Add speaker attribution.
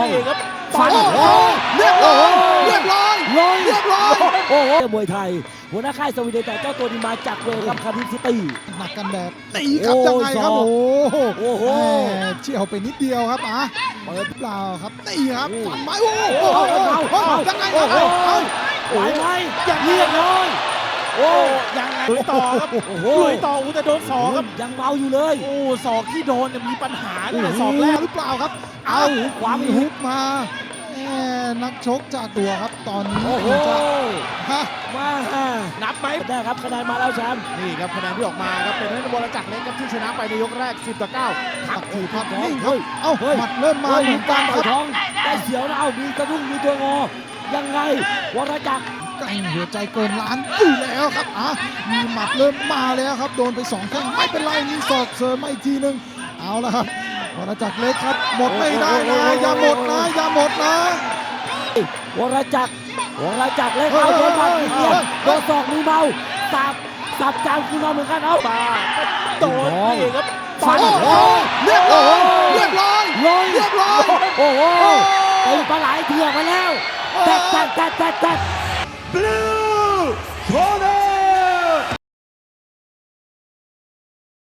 Speaker 1: ครับ
Speaker 2: ฟัน
Speaker 3: เรียบร้อยเรียบร้อย
Speaker 2: ลอย
Speaker 3: เรียบร้อย
Speaker 2: โอ้โหมวยไทยหัวหน้าค่ายสวีเดนแต่เจ้าตัวนี้มาจากเวลครับคาร์ดิฟซิตี้
Speaker 3: หนักกันแบบตีครับ
Speaker 2: โอ้
Speaker 3: ยังไงครับ
Speaker 2: ศอก
Speaker 3: โอ้โห
Speaker 2: โอ้โห
Speaker 3: แหม่เชี่ยวไปนิดเดียวครับเปิดเปล่าครับตีครับฟันไม้โอ้โห
Speaker 2: เอา
Speaker 3: ยังไง
Speaker 2: โอ้
Speaker 3: ครับ
Speaker 2: โหไหวไหมเรียบร้อยโอ้
Speaker 1: ยังไงลุยต่อครับ
Speaker 2: โอ้โห
Speaker 1: ลุยต่อจะโดนศอกครับ
Speaker 2: ยังเมาอยู่เลย
Speaker 1: โอ้ศอกที่โดนเนี่ยมีปัญหาตั้งแต่ศอกแรก
Speaker 3: หรือเปล่าครับ
Speaker 2: เอาขวา
Speaker 3: มี
Speaker 2: มี
Speaker 3: ฮุกมาแหม่นักชกจากตัวครับตอนนี้
Speaker 2: โอ้โห
Speaker 3: จะฮะ
Speaker 2: มา
Speaker 1: นับไหม
Speaker 2: ได้ครับคะแนนมาแล้วแชมป์
Speaker 1: นี่ครับคะแนนที่ออกมาครับเป็นนักบอลจักรเล็กครับที่ชนะไปในยกแรก10-9
Speaker 3: ตักทีครับ
Speaker 2: เฮ้ย
Speaker 3: นิ่งครับเอ้าหมัดเริ่มมา
Speaker 2: เฮ้ย
Speaker 3: เหมือนกันค
Speaker 2: ต่
Speaker 3: รั
Speaker 2: อบ ยท้องได้เสียวนะเอามีกระดุ้งมีตัวงอยังไงวรจักร
Speaker 3: แกร่งหัวใจเกินล้านอยู่แล้วครับมีหมัดเริ่มมาแล้วครับโดนไป2แข้งไม่เป็นไรมีศอกเสริมมาอีกทีนึงเอาละครับวรจักรเล็กครับหมดไม่ได้นะอย่าหมดนะอย่าหมดนะ
Speaker 2: วรจักรเลยเอาโดนฟันทีเดียวโดนศอกมือเมาสับจานคุณมาเหมือนกันเอา
Speaker 1: ตาโดนนี่ครับ
Speaker 2: ฟัน
Speaker 3: โอ้เรียบร้อยเรียบร้อย
Speaker 2: ลอย
Speaker 3: เรียบร้อย
Speaker 2: โอ้โหเป็นปลาไหลเถื่อนมาแล้วแตะ